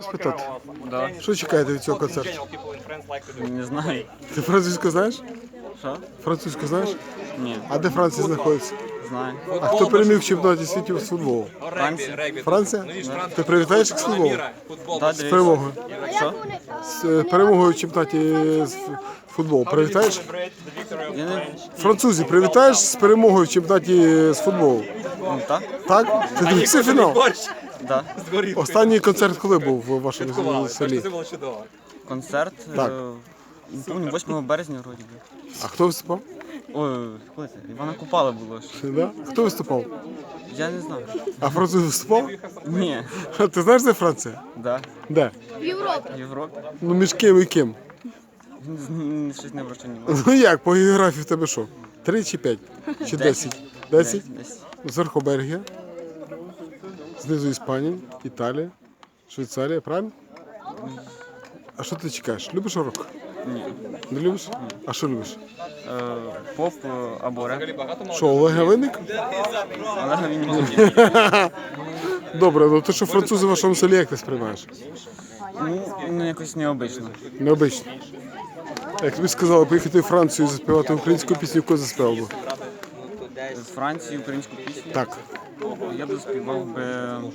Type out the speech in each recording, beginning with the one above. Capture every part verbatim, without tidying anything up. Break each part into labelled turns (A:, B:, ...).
A: спитати?
B: Да.
A: Що чекаєте від цього концерту?
B: Не знаю.
A: Ти французьку знаєш?
B: Що?
A: Французьку знаєш?
B: Ні.
A: А де Франція знаходиться?
B: Знаю.
A: А хто переміг в чемпіонаті світу з футболу?
B: Франція?
A: Франція? Ти привітаєш їх з футболу?
B: Да,
A: З
B: дивись.
A: перемогою.
B: Що?
A: З е, перемогою в чемпіонаті з ф- футболу. Привітаєш?
B: Я не...
A: Французів привітаєш з перемогою в чемпіонаті з футболу?
B: Ну, так?
A: Так? Ти дивився фінал?
B: Да.
A: Останній концерт коли був в вашому селі?
B: Концерт.
A: Так.
B: е, Не помню, восьмого березня вроді би.
A: А хто виступав?
B: Ой, коли це? Івана Купала було ж.
A: Да? Хто виступав?
B: Я не знаю.
A: А француз виступав?
B: Ні.
A: Ти знаєш, де Франція?
B: Да.
A: Де?
B: В Європі.
A: Ну між ким і ким?
B: Н- Щось не вручені маю.
A: Ну як, по географії в тебе що? Три чи п'ять? Чи десять? Десять?
B: Десь.
A: Зверху Бельгія, знизу Іспанія, Італія, Швейцарія, правильно? А що ти чекаєш? Любиш рок?
B: Ні.
A: Не любиш? А що любиш?
B: Е, Поп е, або реп.
A: Що, Олег Винник?
B: Але він не мені.
A: Добре, ну ти що французи в вашому селі як ти сприймаєш?
B: Ну, ну, якось необично.
A: Необично. Як тобі сказали поїхати в Францію і заспівати українську пісню, яку заспівав би?
B: З Франції українську пісню.
A: Так.
B: Я б заспівав би.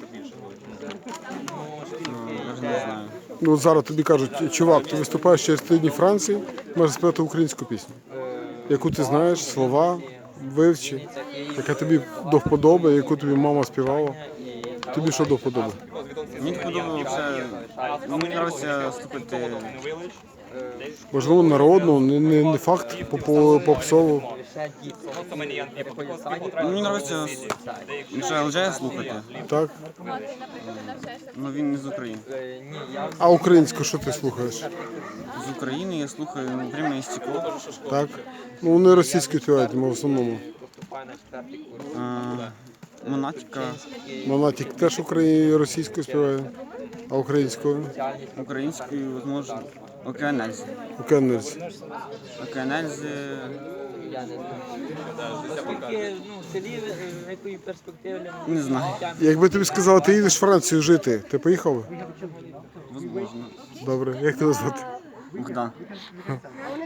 B: Ну, навіть не знаю.
A: Ну от зараз тобі кажуть, чувак, ти виступаєш через три дні Франції, можеш співати українську пісню. Яку ти знаєш, слова, вивчи, яка тобі до вподоби, яку тобі мама співала. Тобі що до вподоби?
B: Мені подобається. Мені подобається слухати.
A: Можливо, народну, не, не, не факт попо- попсову.
B: Мені подобається Мішель Джея слухати,
A: Так?
B: але він не з України.
A: А українську що ти слухаєш?
B: З України я слухаю «Время і стекло».
A: Так? Ну вони російською співають, в основному.
B: Е, Монатіка
A: Монатік теж українською російською співає, а українською?
B: українською, можливо, Океанельзи.
A: Океанельці.
B: Океанельзи.
C: Наскільки ну, в селі в якої перспективи
B: Не знаю.
A: Якби тобі сказали, ти їдеш в Францію жити, ти поїхав би?
B: Возможно.
A: Добре, як тебе звати?
B: Богдан.